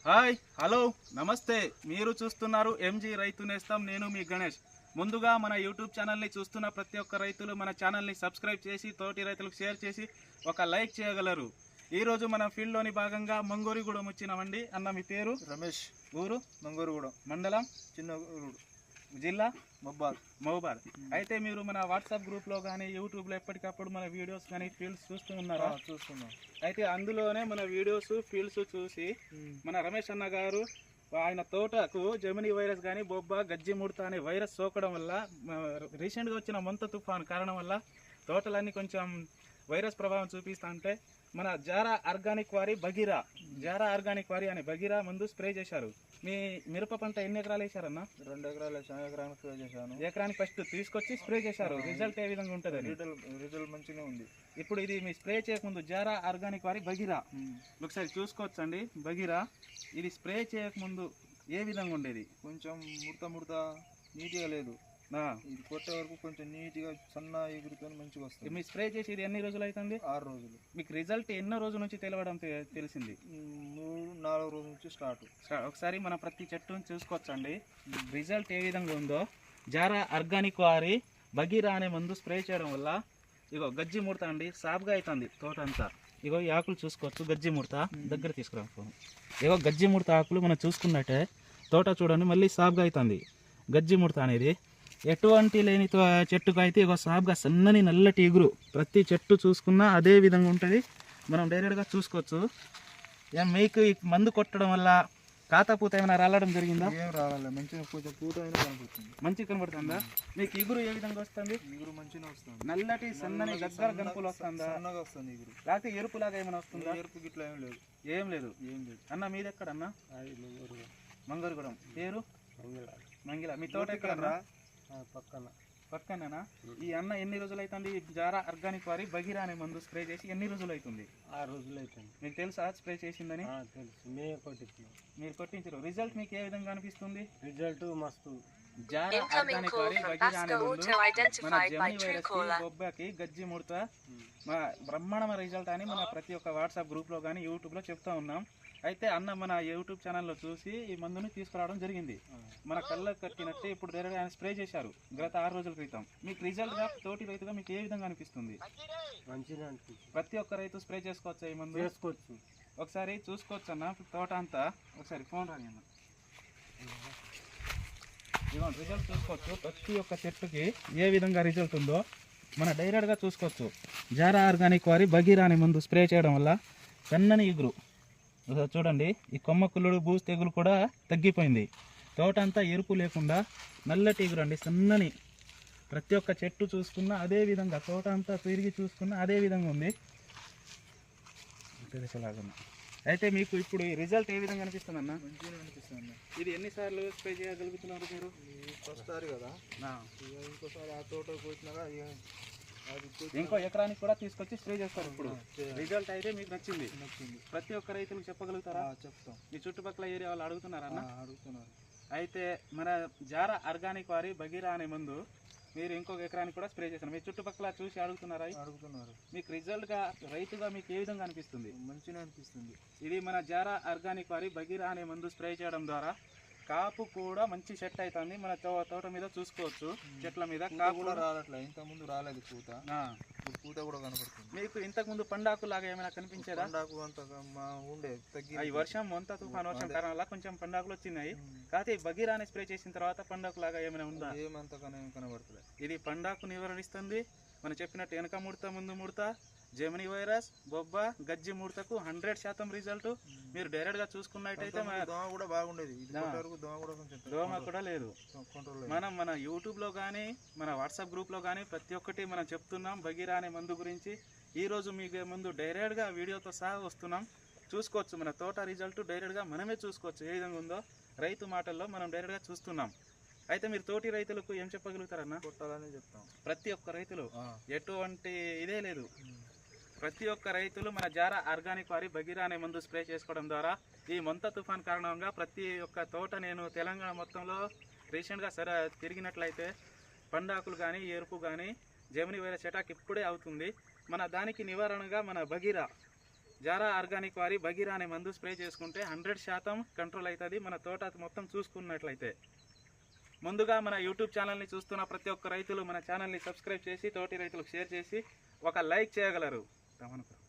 Hi hello నమస్తే మీరు చూస్తున్నారు ఎంజీ రైతు నేస్తం నేను మీ గణేష్ ముందుగా మన యూట్యూబ్ ఛానల్ని చూస్తున్న ప్రతి ఒక్క రైతులు మన ఛానల్ని సబ్స్క్రైబ్ చేసి తోటి రైతులకు షేర్ చేసి ఒక లైక్ చేయగలరు ఈరోజు మన ఫీల్డ్లోని భాగంగా మంగోరిగూడెం వచ్చినామండి అన్న మీ పేరు రమేష్ ఊరు మంగోరిగూడెం మండలం చిన్నగూడు జిల్లా మహబాద్ అయితే మీరు మన వాట్సాప్ గ్రూప్లో కానీ యూట్యూబ్లో ఎప్పటికప్పుడు మన వీడియోస్ కానీ ఫీల్డ్స్ చూస్తూ ఉన్నారా చూస్తున్నాం అయితే అందులోనే మన వీడియోస్ ఫీల్డ్స్ చూసి మన రమేష్ అన్న గారు ఆయన తోటకు జెమిని వైరస్ కానీ బొబ్బ గజ్జి ముడత అనే వైరస్ సోకడం వల్ల రీసెంట్గా వచ్చిన మొంత తుఫాన్ కారణం వల్ల తోటలన్నీ కొంచెం వైరస్ ప్రభావం చూపిస్తా అంటే మన జారా ఆర్గానిక్ వారి అనే బగీరా మందు స్ప్రే చేశారు మీ మిరప పంట ఎన్ని ఎకరాలు వేశారన్న 2 ఎకరాలు ఎకరానికి స్ప్రే చేశాను ఎకరానికి ఫస్ట్ తీసుకొచ్చి స్ప్రే చేశారు రిజల్ట్ ఏ విధంగా ఉంటుంది రిజల్ట్ మంచిగా ఉంది ఇప్పుడు ఇది మీ స్ప్రే చేయకముందు జారా ఆర్గానిక్ వారి బగీరా ఒకసారి చూసుకోవచ్చండి బగీరా ఇది స్ప్రే చేయకముందు ఏ విధంగా ఉండేది కొంచెం ముడత నీట్గా లేదు ఇది కొట్టే వరకు కొంచెం నీట్గా సన్న ఎగురుకొని మంచిగా వస్తుంది మీ స్ప్రే చేసి ఇది ఎన్ని రోజులు అవుతుంది 6 రోజులు మీకు రిజల్ట్ ఎన్నో రోజుల నుంచి తెలవడం తెలిసింది 3-4 రోజుల నుంచి స్టార్ట్ ఒకసారి మనం ప్రతి చెట్టును చూసుకోవచ్చండి రిజల్ట్ ఏ విధంగా ఉందో జారా ఆర్గానిక్ వారి బగీరా అనే మందు స్ప్రే చేయడం వల్ల ఇగో గజ్జి ముడత అండి సాఫ్గా అవుతుంది తోట అంతా ఇగో ఈ ఆకులు చూసుకోవచ్చు గజ్జి ముడత దగ్గర తీసుకురాను ఇగో గజ్జి ముడత ఆకులు మనం చూసుకున్నట్టే తోట చూడండి మళ్ళీ సాఫ్గా అవుతుంది గజ్జి ముడత అనేది ఎటువంటి లేని చెట్టుకు అయితే ఇక సాఫ్గా సన్నని నల్లటి ఎగురు ప్రతి చెట్టు చూసుకున్నా అదే విధంగా ఉంటుంది మనం డైరెక్ట్గా చూసుకోవచ్చు మీకు ఈ మందు కొట్టడం వల్ల కాతపూత ఏమైనా రాలడం జరిగిందా ఏం రావాలి మంచిగా కొంచెం పూత అయినా కనపడుతుంది మంచిగా కనబడుతుందా మీకు ఎగురు ఏ విధంగా వస్తుంది ఎగురు మంచిగా వస్తుంది నల్లటి సన్నని గగ్గర గనుపులు వస్తుందా సన్నగా వస్తుంది ఎగురు లేకపోతే ఎరుపులాగా ఏమైనా వస్తుందా ఎరుపు గిట్ల ఏం లేదు అన్న మీది ఎక్కడన్నా మంగోరిగూడెం పేరు మంగిల మీ తోట ఎక్కడన్నా పక్కనేనా ఈ అన్న ఎన్ని రోజులు అవుతుంది జారా ఆర్గానిక్ వారి బగీరా అనే మందు స్ప్రే చేసి ఎన్ని రోజులు అవుతుంది 6 రోజులు అవుతుంది మీకు తెలుసా స్ప్రే చేసిందని తెలుసు మీరు కొట్టించారు రిజల్ట్ మీకు ఏ విధంగా అనిపిస్తుంది రిజల్ట్ మస్తు జారా ఆర్గానిక్ వారి బగీరా అనే మందు మన జెమిని వైరస్ బొబ్బకి గజ్జి ముడత బ్రహ్మాండమైన రిజల్ట్ అని మన ప్రతి ఒక్క వాట్సాప్ గ్రూప్లో కానీ యూట్యూబ్లో చెప్తా ఉన్నాం అయితే అన్న మన యూట్యూబ్ ఛానల్లో చూసి ఈ మందుని తీసుకురావడం జరిగింది మన కళ్ళకు కట్టినట్టే ఇప్పుడు డైరెక్ట్ ఆయన స్ప్రే చేశారు గత 6 రోజుల క్రితం మీకు రిజల్ట్గా తోటి రైతుగా మీకు ఏ విధంగా అనిపిస్తుంది మంచిగా అనిపిస్తుంది ప్రతి ఒక్క రైతు స్ప్రే చేసుకోవచ్చు ఈ మందు చేసుకోవచ్చు ఒకసారి చూసుకోవచ్చు అన్న తోట అంతా ఒకసారి ఫోన్ రాని అన్న ఇదిగోండి రిజల్ట్ చూసుకోవచ్చు ప్రతి ఒక్క చెట్టుకి ఏ విధంగా రిజల్ట్ ఉందో మన డైరెక్ట్గా చూసుకోవచ్చు జారా ఆర్గానిక్ వారి బగీరా అనే మందు స్ప్రే చేయడం వల్ల సన్నని ఎగురు చూడండి ఈ కొమ్మ కుళ్ళుడు బూజు తెగులు కూడా తగ్గిపోయింది తోట అంతా ఎరుపు లేకుండా నల్లటి ఎగురు అండి సన్నని ప్రతి ఒక్క చెట్టు చూసుకున్నా అదే విధంగా తోట అంతా తిరిగి చూసుకున్నా అదే విధంగా ఉంది అయితే మీకు ఇప్పుడు ఈ రిజల్ట్ ఏ విధంగా అనిపిస్తుంది అన్న మంచిగా అనిపిస్తుంది ఇది ఎన్నిసార్లు స్ప్రే చేయగలుగుతున్నారు మీరు వస్తారు కదా ఇంకోసారి ఆ తోట పోయినాక ఇంకో ఎకరానికి కూడా తీసుకొచ్చి స్ప్రే చేస్తారు ఇప్పుడు రిజల్ట్ అయితే మీకు నచ్చింది ప్రతి ఒక్క రైతులకు చెప్పగలుగుతారా చెప్తాం మీ చుట్టుపక్కల ఏరియా వాళ్ళు అడుగుతున్నారన్న అడుగుతున్నారు అయితే మన జారా ఆర్గానిక్ వారి బగీరా అనే మందు మీరు ఇంకొక ఎకరానికి కూడా స్ప్రే చేస్తారు మీ చుట్టుపక్కల చూసి అడుగుతున్నారు మీకు రిజల్ట్గా రైతుగా మీకు ఏ విధంగా అనిపిస్తుంది మంచిగా అనిపిస్తుంది ఇది మన జారా ఆర్గానిక్ వారి బగీరా అనే మందు స్ప్రే చేయడం ద్వారా కాపు కూడా మంచి సెట్ అవుతుంది మన తోట మీద చూసుకోవచ్చు చెట్ల మీద కాపు కూడా రావట్లే ఇంత ముందు రాలేదు పూత కూడా కనపడుతుంది మీకు ఇంతకు ముందు పండాకు లాగా ఏమైనా కనిపించేదా పండాకు అంత ఉండే తగ్గి ఈ వర్షం మొంత తుఫాన్ వర్షం కారణం వల్ల కొంచెం పండాకులు వచ్చినాయి కాకపోతే బగీరాని స్ప్రే చేసిన తర్వాత పండాకు లాగా ఏమైనా ఉందా ఏమంత కనబడుతుంది ఇది పండాకు నివారిస్తుంది మనం చెప్పినట్టు వెనక ముడత ముందు ముడత జెమిని వైరస్ బొబ్బ గజ్జి ముడతకు 100% రిజల్ట్ మీరు డైరెక్ట్ గా చూసుకున్నట్టయితే దోమ కూడా బాగుండేది దోమ కూడా లేదు మన యూట్యూబ్ లో కానీ మన వాట్సాప్ గ్రూప్ లో కానీ ప్రతి ఒక్కటి మనం చెప్తున్నాం బగీరా అనే మందు గురించి ఈ రోజు మీకు ముందు డైరెక్ట్ గా వీడియోతో సహా వస్తున్నాం చూసుకోవచ్చు మన తోట రిజల్ట్ డైరెక్ట్ గా మనమే చూసుకోవచ్చు ఏ విధంగా ఉందో రైతు మాటల్లో మనం డైరెక్ట్ గా చూస్తున్నాం అయితే మీరు తోటి రైతులకు ఏం చెప్పగలుగుతారన్న కొట్టాలని చెప్తాం ప్రతి ఒక్క రైతులు ఎటువంటి ఇదే లేదు ప్రతి ఒక్క రైతులు మన జారా ఆర్గానిక్ వారి బగీరా అనే మందు స్ప్రే చేసుకోవడం ద్వారా ఈ మొంత తుఫాన్ కారణంగా ప్రతి ఒక్క తోట నేను తెలంగాణ మొత్తంలో రీసెంట్గా తిరిగినట్లయితే పండాకులు కానీ ఎరుపు కానీ జెమిని వైరస్ అటాక్ ఇప్పుడే అవుతుంది మన దానికి నివారణగా మన బగీరా జారా ఆర్గానిక్ వారి బగీరా అనే మందు స్ప్రే చేసుకుంటే 100% కంట్రోల్ అవుతుంది మన తోట మొత్తం చూసుకున్నట్లయితే. ముందుగా మన యూట్యూబ్ ఛానల్ని చూస్తున్న ప్రతి ఒక్క రైతులు మన ఛానల్ని సబ్స్క్రైబ్ చేసి తోటి రైతులకు షేర్ చేసి ఒక లైక్ చేయగలరు.